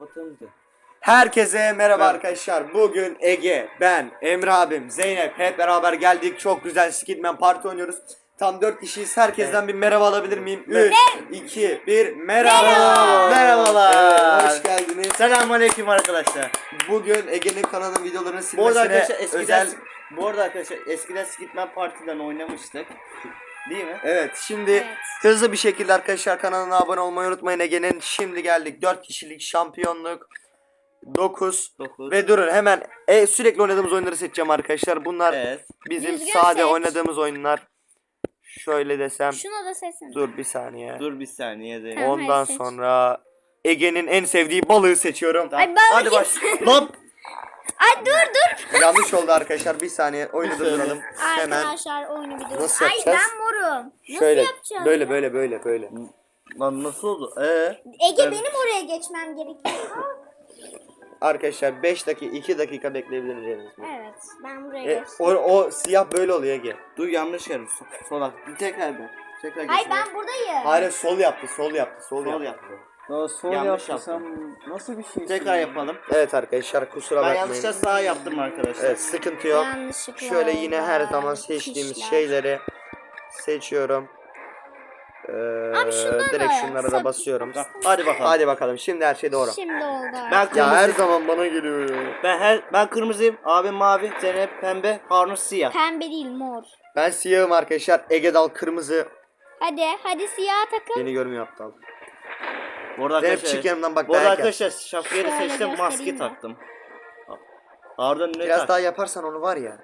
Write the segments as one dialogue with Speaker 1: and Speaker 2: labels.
Speaker 1: Kapatalım da.
Speaker 2: Herkese merhaba arkadaşlar. Bugün Ege, ben, Emre abim, Zeynep hep beraber geldik. Çok güzel Skidman Parti oynuyoruz. Tam 4 kişiyiz. Herkesten bir merhaba alabilir miyim? 3, 2, 1, merhaba.
Speaker 1: Merhabalar.
Speaker 2: Hoş geldiniz.
Speaker 1: Selamünaleyküm arkadaşlar.
Speaker 2: Bugün Ege'nin kanalının videolarını
Speaker 1: Bu arada
Speaker 2: silmesine
Speaker 1: arkadaşlar
Speaker 2: özel...
Speaker 1: eskiden Skidman Parti'den oynamıştık. Değil mi?
Speaker 2: Evet, şimdi hızlı bir şekilde arkadaşlar kanalına abone olmayı unutmayın. Ege'nin şimdi geldik 4 kişilik şampiyonluk 9 ve durun hemen sürekli oynadığımız oyunları seçeceğim arkadaşlar. Bunlar bizim
Speaker 3: Düzgün
Speaker 2: sade
Speaker 3: seç.
Speaker 2: oynadığımız oyunlar. Şöyle desem.
Speaker 3: Şunu da seçsene.
Speaker 2: Dur bir saniye.
Speaker 1: Dur bir saniye de.
Speaker 3: Tamam.
Speaker 2: Ondan
Speaker 3: seç.
Speaker 2: sonra Ege'nin en sevdiği balığı seçiyorum.
Speaker 3: Ay balık
Speaker 2: Hadi baş. Lan
Speaker 3: Ay dur.
Speaker 2: yanlış oldu arkadaşlar. Bir saniye oyunu durduralım. Hemen
Speaker 3: Arkadaşlar oyunu bir dur.
Speaker 2: Nasıl
Speaker 3: Ay
Speaker 2: yapacağız?
Speaker 3: ben morum.
Speaker 2: şöyle
Speaker 3: Nasıl yapacağız?
Speaker 2: böyle.
Speaker 1: Lan nasıl oldu?
Speaker 3: Ege benim oraya geçmem gerekiyor.
Speaker 2: Arkadaşlar 5 dakika 2 dakika bekleyebiliriz.
Speaker 3: Evet ben buraya geçtim.
Speaker 2: O siyah böyle oluyor Ege.
Speaker 1: Dur yanlış yer. Sola. Tekrar ben. Tekrar
Speaker 3: Ay
Speaker 1: geçelim.
Speaker 3: ben buradayım.
Speaker 2: Hayır sol yaptı.
Speaker 1: Sol yaptı.
Speaker 4: Sol
Speaker 1: Yanlış
Speaker 4: yaptı. Nasıl bir şey?
Speaker 1: Tekrar yapalım.
Speaker 2: Evet arkadaşlar kusura
Speaker 1: Ben
Speaker 2: bakmayın.
Speaker 1: yanlışlıkla sağ yaptım arkadaşlar.
Speaker 2: Evet sıkıntı yok.
Speaker 3: Yanlışlıkla
Speaker 2: Şöyle yine her
Speaker 3: oldu.
Speaker 2: zaman seçtiğimiz
Speaker 3: Kişiler.
Speaker 2: şeyleri seçiyorum.
Speaker 3: Abi şundan
Speaker 2: Direkt
Speaker 3: da
Speaker 2: şunlara da basıyorum.
Speaker 1: Hadi bakalım.
Speaker 2: Hadi bakalım şimdi her şey doğru.
Speaker 3: Şimdi oldu.
Speaker 1: Ben
Speaker 2: Ya
Speaker 1: kırmızı.
Speaker 2: her zaman bana geliyor ya.
Speaker 1: Ben kırmızıyım. Abim mavi. Zeynep pembe. Harun siyah.
Speaker 3: Pembe değil mor.
Speaker 2: Ben siyahım arkadaşlar. Ege Dal kırmızı.
Speaker 3: Hadi siyah takım.
Speaker 2: Beni görmüyor aptal.
Speaker 1: Bu arada
Speaker 2: Zeynep
Speaker 1: arkadaşlar.
Speaker 2: çık yanımdan bak
Speaker 1: Bu arada
Speaker 2: dayak yer.
Speaker 1: arkadaşlar şapkayı da
Speaker 3: Şöyle
Speaker 1: seçtim. Maske
Speaker 3: göstereyim mi?
Speaker 1: taktım. Ardından ne
Speaker 2: Biraz
Speaker 1: tak?
Speaker 2: daha yaparsan onu var ya.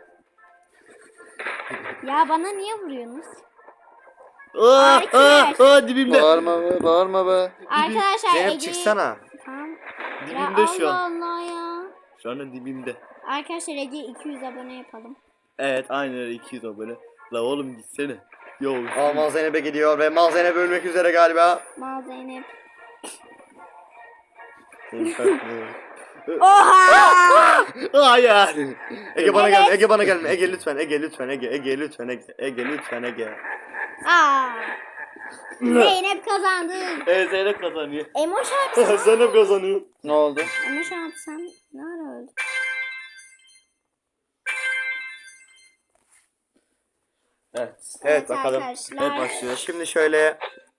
Speaker 3: Ya bana niye vuruyorsunuz?
Speaker 1: Dibimde.
Speaker 4: Bağırma be.
Speaker 3: Arkadaşlar
Speaker 2: Zeynep
Speaker 3: Ege'yi...
Speaker 2: çıksana.
Speaker 3: Tamam.
Speaker 1: Dibimde
Speaker 3: ya
Speaker 1: şu an.
Speaker 3: Allah ya.
Speaker 1: Şu anda dibimde.
Speaker 3: Arkadaşlar Ege'ye 200 abone yapalım.
Speaker 1: Evet aynen öyle 200 abone. La oğlum gitsene. Yo.
Speaker 2: Mal Zeynep'e gidiyor ve Mal Zeynep ölmek üzere galiba.
Speaker 3: Mal Zeynep.
Speaker 1: Hayır.
Speaker 2: Ege bana gelme. Ege bana gelme. Ege lütfen. Ege lütfen. Ege lütfen. Ege lütfen. Ege.
Speaker 3: Aa. Zeynep kazandı.
Speaker 1: Evet Zeynep kazanıyor.
Speaker 3: Emoş abi sen.
Speaker 2: Zeynep kazanıyor.
Speaker 4: Ne oldu?
Speaker 3: Emoş abi sen ne ara öldün?
Speaker 1: Evet.
Speaker 2: Evet bakalım.
Speaker 3: Arkadaşlar.
Speaker 1: Evet başlıyor.
Speaker 2: Şimdi şöyle.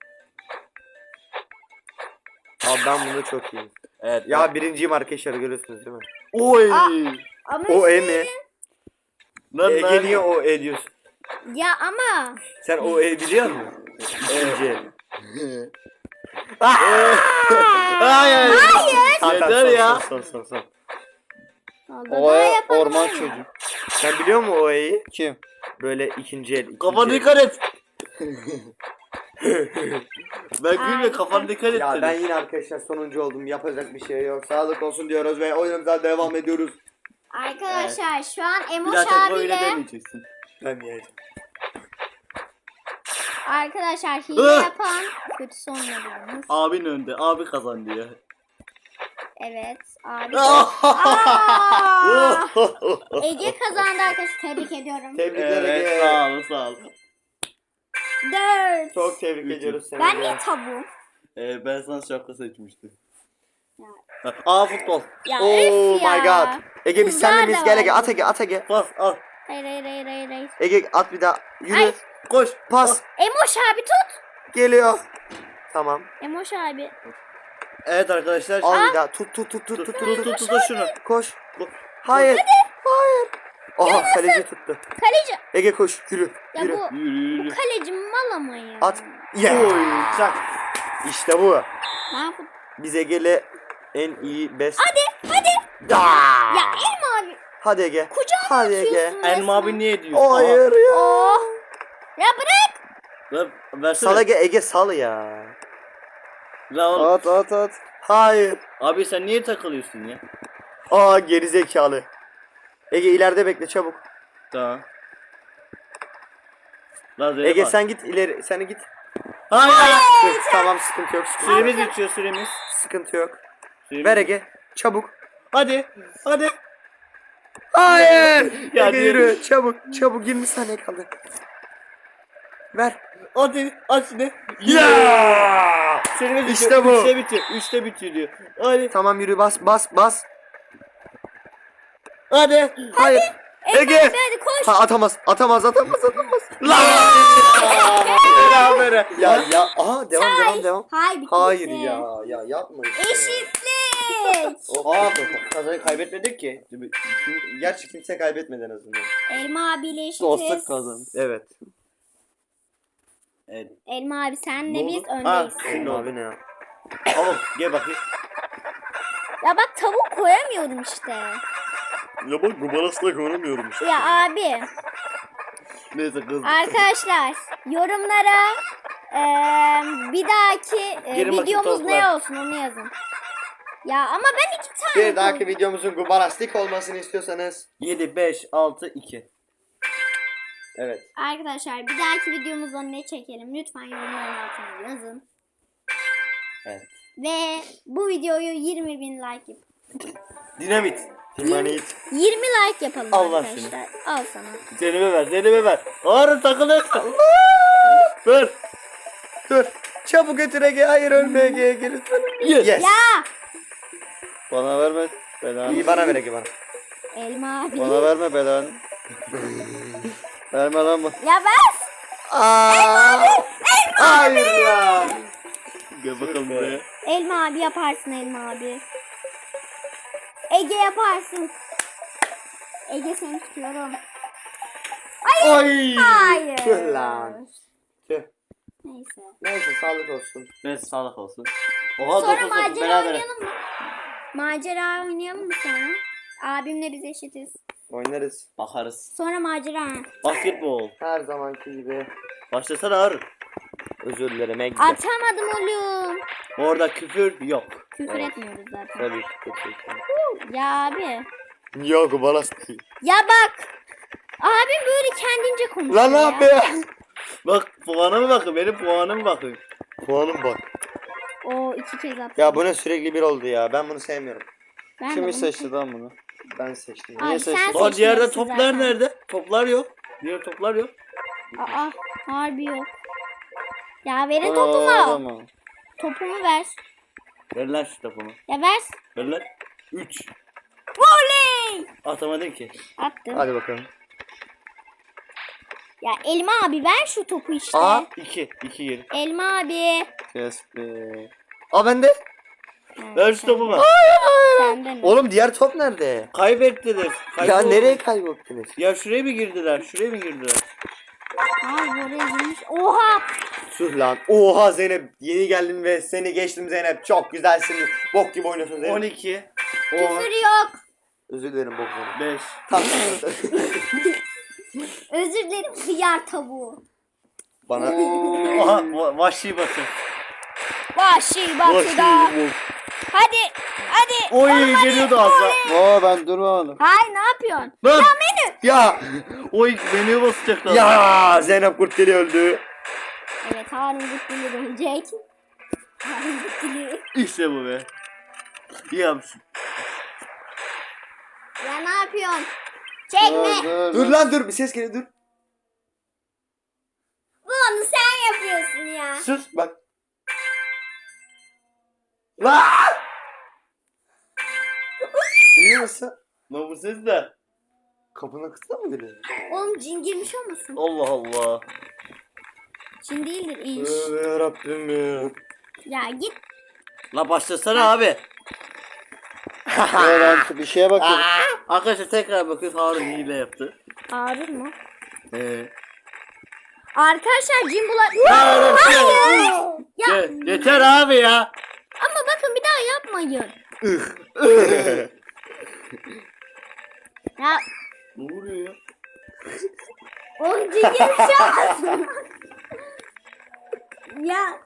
Speaker 2: Abi ben bunu çok iyiyim.
Speaker 1: Evet.
Speaker 2: Ya birinciyim arkadaşlar görüyorsunuz değil mi?
Speaker 1: Oy.
Speaker 3: Ama
Speaker 2: O E mi?
Speaker 1: Lan
Speaker 2: Ege niye o E diyorsun?
Speaker 3: ya ama.
Speaker 2: Sen o E biliyor musun? İkinci.
Speaker 1: Hayır.
Speaker 2: Tamam,
Speaker 1: Yeter
Speaker 2: son,
Speaker 1: ya.
Speaker 2: Son.
Speaker 3: O
Speaker 4: Orman çocuğu.
Speaker 2: Sen biliyor musun o E'yi?
Speaker 4: Kim?
Speaker 2: Böyle ikinci el. ikinci
Speaker 1: Kafanı
Speaker 2: el.
Speaker 1: dikkat et. Ben gülme kafanı dikkat et
Speaker 2: Ya
Speaker 1: dedim.
Speaker 2: ben yine arkadaşlar sonuncu oldum. Yapacak bir şey yok. Sağlık olsun diyoruz ve oyunumuza devam ediyoruz.
Speaker 3: Arkadaşlar şu an
Speaker 1: Bir
Speaker 3: Emoş
Speaker 1: daha tekrar öyle
Speaker 3: abiyle
Speaker 1: demeyeceksin.
Speaker 2: Ben yiyeceğim.
Speaker 3: arkadaşlar hile yapan kötü sonlanıyormuş.
Speaker 1: Abin önde. Abi kazandı ya.
Speaker 3: Evet abi. Aa! Ege kazandı arkadaşlar. Tebrik ediyorum.
Speaker 2: Tebrikler
Speaker 1: Evet
Speaker 2: Ege.
Speaker 1: sağ ol.
Speaker 3: 4.
Speaker 2: Çok tebrik ediyoruz seni.
Speaker 3: Ben
Speaker 2: Ege.
Speaker 3: niye tavuğum?
Speaker 1: Ben sana şapka seçmiştim.
Speaker 3: Ya.
Speaker 1: Aa futbol.
Speaker 3: Ya
Speaker 2: Oh
Speaker 3: öf ya.
Speaker 2: my god. Ege biz
Speaker 3: Kızlar
Speaker 2: seninle
Speaker 3: da
Speaker 2: miyiz? Gel Ege
Speaker 3: var.
Speaker 2: at Ege.
Speaker 1: Pas al.
Speaker 3: Hayır.
Speaker 2: Ege at bir daha. Yürü.
Speaker 3: Ay.
Speaker 1: Koş.
Speaker 2: Pas.
Speaker 3: Emoş abi tut.
Speaker 2: Geliyor. Tamam.
Speaker 3: Emoş abi.
Speaker 1: Evet arkadaşlar.
Speaker 2: Al bir daha. Tut.
Speaker 1: Tut şunu.
Speaker 2: Koş. Hayır. Hayır. Aha kaleci tuttu.
Speaker 3: Kaleci.
Speaker 2: Ege koş. Yürü.
Speaker 3: Ya
Speaker 2: Yürü.
Speaker 3: bu
Speaker 1: Yürü.
Speaker 3: kaleci mal ama ya.
Speaker 2: At. Yeah.
Speaker 1: Oy. Çak.
Speaker 2: İşte bu.
Speaker 3: Ben fut-
Speaker 2: Biz Ege'yle en iyi best.
Speaker 3: Hadi.
Speaker 2: Da.
Speaker 3: Ya Elma abi.
Speaker 2: Hadi Ege.
Speaker 3: Kucağına
Speaker 2: Hadi Ege.
Speaker 3: atıyorsun
Speaker 1: Elma
Speaker 3: resmen.
Speaker 1: abi niye diyorsun?
Speaker 2: Hayır ya.
Speaker 3: Oh. Ya bırak.
Speaker 1: Versene.
Speaker 2: Sal Ege sal ya.
Speaker 1: La oğlum.
Speaker 4: At.
Speaker 2: Hayır.
Speaker 1: Abi sen niye takılıyorsun ya?
Speaker 2: Aa gerizekalı. Ege ileride bekle çabuk.
Speaker 1: Tamam. La Zeynep
Speaker 2: Ege
Speaker 1: abi.
Speaker 2: sen git ileri. Sen git.
Speaker 1: Hayır.
Speaker 2: Dur, tamam sıkıntı yok.
Speaker 1: Süremiz bitiyor süremiz.
Speaker 2: Sıkıntı yok.
Speaker 1: Süremiz-
Speaker 2: Ver Ege. Çabuk.
Speaker 1: Hadi.
Speaker 2: Hayır.
Speaker 1: Ya
Speaker 2: Ege yürü. Çabuk. 20 saniye kaldı. Ver.
Speaker 1: Hadi aç ne?
Speaker 2: Ya!
Speaker 1: Serime bitiyor.
Speaker 2: İşte bu.
Speaker 1: 3'te bitiyor. 3'te bitiyor diyor. Hadi.
Speaker 2: Tamam yürü bas.
Speaker 1: Hadi.
Speaker 2: Hayır. Ege.
Speaker 3: Hadi koş.
Speaker 2: Ha, atamaz. Lan! Berabere. Ya. Aha devam.
Speaker 3: Hayır bitti.
Speaker 2: Hayır
Speaker 3: bitti.
Speaker 2: ya yapma işte.
Speaker 3: Eşitlik.
Speaker 2: Aa kazayı kaybetmedik ki. Gerçi kimse kaybetmedi en azından.
Speaker 3: Elma abiyle eşitiz.
Speaker 1: Dostluk kazandı.
Speaker 2: Evet.
Speaker 1: Evet.
Speaker 3: Elma abi senle
Speaker 1: Bu-
Speaker 3: biz
Speaker 1: Ha,
Speaker 3: öndeyiz.
Speaker 1: şimdi oldu.
Speaker 2: Abi ne ya?
Speaker 1: Tamam gel bakayım.
Speaker 3: Ya bak tavuk koyamıyorum işte.
Speaker 1: Ya bak gubarasla koyamıyorum işte.
Speaker 3: Ya abi.
Speaker 1: Neyse kız.
Speaker 3: Arkadaşlar yorumlara bir dahaki
Speaker 1: Girin bakayım
Speaker 3: videomuz ne
Speaker 1: toplar.
Speaker 3: olsun onu yazın. Ya ama ben 2 tane
Speaker 2: Bir dahaki
Speaker 3: koydum.
Speaker 2: videomuzun gubarastik olmasını istiyorsanız.
Speaker 1: 7, 5, 6, 2.
Speaker 2: Evet.
Speaker 3: Arkadaşlar bir dahaki videomuzda ne çekelim lütfen yorumların altına yazın.
Speaker 2: Evet.
Speaker 3: Ve bu videoyu 20.000 like yap.
Speaker 1: Dinamit.
Speaker 2: Timanit.
Speaker 3: 20 like yapalım
Speaker 1: Allah
Speaker 3: arkadaşlar. Al sana.
Speaker 1: Zeynep'e ver. Ağrı takılır. Ver.
Speaker 2: Dur. Çabuk götür Ege. Hayır ölme Ege. Gel.
Speaker 1: Yes.
Speaker 2: Yes.
Speaker 3: Ya
Speaker 1: Bana verme belanı.
Speaker 2: İyi bana ver Ege bana.
Speaker 3: Elma abi.
Speaker 1: Bana verme belanı. Verme lan bu.
Speaker 3: Ya ver.
Speaker 2: Aa! Hayır ya.
Speaker 1: Gel bakalım buraya.
Speaker 3: Elma abi yaparsın Elma abi. Ege yaparsın. Ege seni tutuyorum.
Speaker 2: Oy.
Speaker 3: Hayır.
Speaker 2: Tüh lan. Tüh.
Speaker 3: Neyse.
Speaker 2: Neyse sağlık olsun.
Speaker 1: Neyse sağlık olsun. Oha
Speaker 3: Sonra
Speaker 1: 9
Speaker 3: macera
Speaker 1: beraber.
Speaker 3: oynayalım mı? Macera oynayalım mı sonra? Abimle biz eşitiz.
Speaker 2: Oynarız.
Speaker 1: Bakarız.
Speaker 3: Sonra macera.
Speaker 1: Basketbol.
Speaker 2: Her zamanki gibi.
Speaker 1: Başlasana Ağrı.
Speaker 2: Özür dilerim Ege.
Speaker 3: Atamadım oğlum.
Speaker 1: Orada küfür yok.
Speaker 3: Küfür etmiyoruz zaten.
Speaker 2: Tabii ki. Teşekkür.
Speaker 3: Ya abi.
Speaker 2: Yok gubarastik.
Speaker 3: Ya bak. Abim böyle kendince konuşuyor
Speaker 2: Lan ne
Speaker 3: ya.
Speaker 2: yapıyor?
Speaker 1: Bak puanıma bakın. Benim puanıma bakın.
Speaker 2: Puanım bak.
Speaker 3: O 2 kez attı.
Speaker 2: Ya bu ne sürekli bir oldu ya. Ben bunu sevmiyorum.
Speaker 3: Ben de
Speaker 4: Kimi
Speaker 3: bunu-
Speaker 4: seçti lan bunu?
Speaker 2: Ben seçtim.
Speaker 3: Abi sen
Speaker 1: Lan diğerde
Speaker 3: seçmiyorsun
Speaker 1: toplar
Speaker 3: zaten.
Speaker 1: nerede? Toplar yok. Diğer toplar yok.
Speaker 3: Aa harbi yok. Ya verin
Speaker 4: Bana
Speaker 3: topumu.
Speaker 4: ağlama.
Speaker 3: Topumu ver.
Speaker 1: Ver lan şu topumu.
Speaker 3: Ya ver.
Speaker 1: Ver lan. 3.
Speaker 3: Voley.
Speaker 1: Atamadın ki.
Speaker 3: Attım.
Speaker 2: Hadi bakalım.
Speaker 3: Ya Elma abi ver şu topu işte.
Speaker 2: Aa.
Speaker 1: 2. 2 geri.
Speaker 3: Elma abi.
Speaker 4: Kes be.
Speaker 2: Aa bende.
Speaker 1: Ver şu topumu.
Speaker 3: Sende mi?
Speaker 2: Oğlum diğer top nerede?
Speaker 1: Kaybettiler.
Speaker 2: Ya
Speaker 1: Kayboldu.
Speaker 2: nereye kaybettiniz?
Speaker 1: Ya şuraya mı girdiler? Şuraya mı girdiler?
Speaker 3: Ay oraya girmiş. Oha.
Speaker 2: Tüh lan. Oha Zeynep. Yeni geldin ve seni geçtim Zeynep. Çok güzelsin. Bok gibi oynuyorsun Zeynep.
Speaker 1: 12.
Speaker 3: Küfür yok.
Speaker 2: Özür dilerim bok Zeynep.
Speaker 1: 5.
Speaker 2: Tamam.
Speaker 3: Özür dilerim hıyar tavuğu.
Speaker 2: Bana.
Speaker 1: Aha vahşi batı.
Speaker 3: Vahşi
Speaker 1: Vahşi
Speaker 3: batıda.
Speaker 1: bu.
Speaker 3: Hadi. Hadi.
Speaker 1: Oy geliyordu az daha.
Speaker 4: Oo ben durmadım.
Speaker 3: Hay ne yapıyorsun?
Speaker 1: Lan.
Speaker 2: Ya.
Speaker 1: Oy menüye basacaklar.
Speaker 2: Ya Zeynep Kurtgeli öldü.
Speaker 3: Evet Harun Gutlu'yu dönecek. Harun Gutlu'yu.
Speaker 1: İşte bu be. İyi yapmışsın.
Speaker 3: Ya ne yapıyorsun? Çekme.
Speaker 2: Dur lan dur bir ses geliyor dur.
Speaker 3: Bunu sen yapıyorsun ya.
Speaker 2: Sus bak. Lan! Duyuyor musun?
Speaker 1: Lan bu ses ne?
Speaker 2: Kapının kısmı mı geliyor?
Speaker 3: Oğlum cin girmiş olmasın?
Speaker 1: Allah Allah.
Speaker 3: Cin değildir inş.
Speaker 2: Tövbe yarabbim ya.
Speaker 3: Ya git.
Speaker 1: La başlasana abi.
Speaker 4: Ben bir şeye bakıyorum.
Speaker 1: Arkadaşlar tekrar bakın Harun hile yaptı.
Speaker 3: Harun mu?
Speaker 1: Arkadaşlar
Speaker 3: cin bular.
Speaker 1: Hayır.
Speaker 3: Hayır. Ya
Speaker 1: Yeter abi ya.
Speaker 3: ama bakın bir daha yapmayın. Ya
Speaker 1: Ne oluyor ya?
Speaker 3: oğlum cin girmiş olmasın? Ya.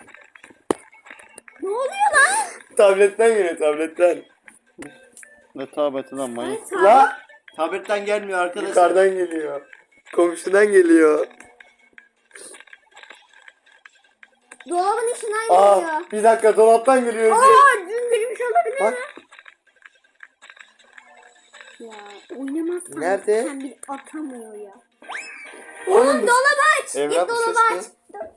Speaker 3: Ne oluyor lan?
Speaker 2: Tabletten geliyor tabletten.
Speaker 4: Ne tabeti lan manyak.
Speaker 2: La
Speaker 1: Tabletten gelmiyor arkadaşlar.
Speaker 2: yukarıdan geliyor. Komşudan geliyor.
Speaker 3: Dolabın içinden geliyor.
Speaker 2: Aa bir dakika dolaptan geliyor.
Speaker 3: Aa cin girmiş olabilir
Speaker 2: Bak.
Speaker 3: mi? Ya oynamazsan
Speaker 2: Nerede?
Speaker 3: sen bir atamıyor ya.
Speaker 2: Oğlum
Speaker 3: Oğlum dolabı aç.
Speaker 2: Emrah,
Speaker 3: Git
Speaker 2: bu
Speaker 3: dolabı
Speaker 2: ses
Speaker 3: aç.
Speaker 2: ne?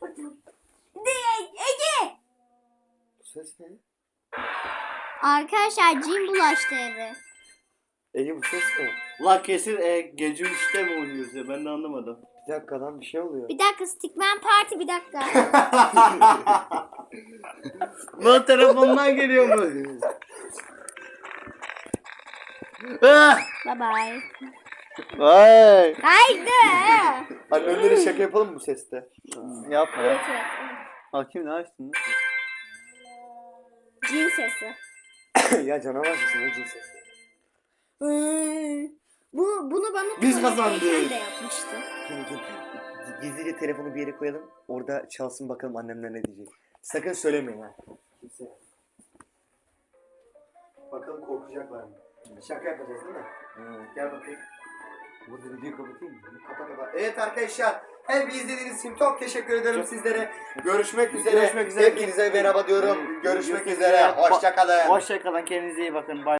Speaker 2: ses ne?
Speaker 3: Arkadaşlar cin bulaştı eve.
Speaker 2: Ege bu ses ne?
Speaker 1: La kesin gece 3'te mi oynuyoruz ya, ben de anlamadım.
Speaker 2: Bir dakika lan bir şey oluyor.
Speaker 3: Bir dakika Stickman Party bir dakika.
Speaker 1: Lan telefondan geliyor mu? Ah!
Speaker 3: Bye bye.
Speaker 4: Vay.
Speaker 3: Haydi.
Speaker 2: Annenlere şaka yapalım mı bu seste?
Speaker 4: Yapma ya.
Speaker 3: Evet, evet.
Speaker 4: Hakim ne açtın?
Speaker 3: Cin sesi.
Speaker 2: Ya canavar sesi ne cin sesi?
Speaker 3: Bunu bana
Speaker 2: Biz
Speaker 3: tuvaletteyken
Speaker 2: kazandık.
Speaker 3: de yapmıştı.
Speaker 2: Gel. Gizlice telefonu bir yere koyalım. Orada çalsın bakalım annemler ne diyecek. Sakın söylemeyin ha. Kimse. Bakalım korkacaklar mı? Şaka yapacağız değil mi? Gel bakayım. Burada videoyu kapatayım mı? Kapa. Evet arkadaşlar. Hem izlediğiniz için çok teşekkür ederim sizlere. Görüşmek üzere.
Speaker 1: Görüşmek üzere.
Speaker 2: Hepinize merhaba diyorum. Görüşmek üzere. Hoşça kalın.
Speaker 1: Hoşçakalın, kendinize iyi bakın. Bye.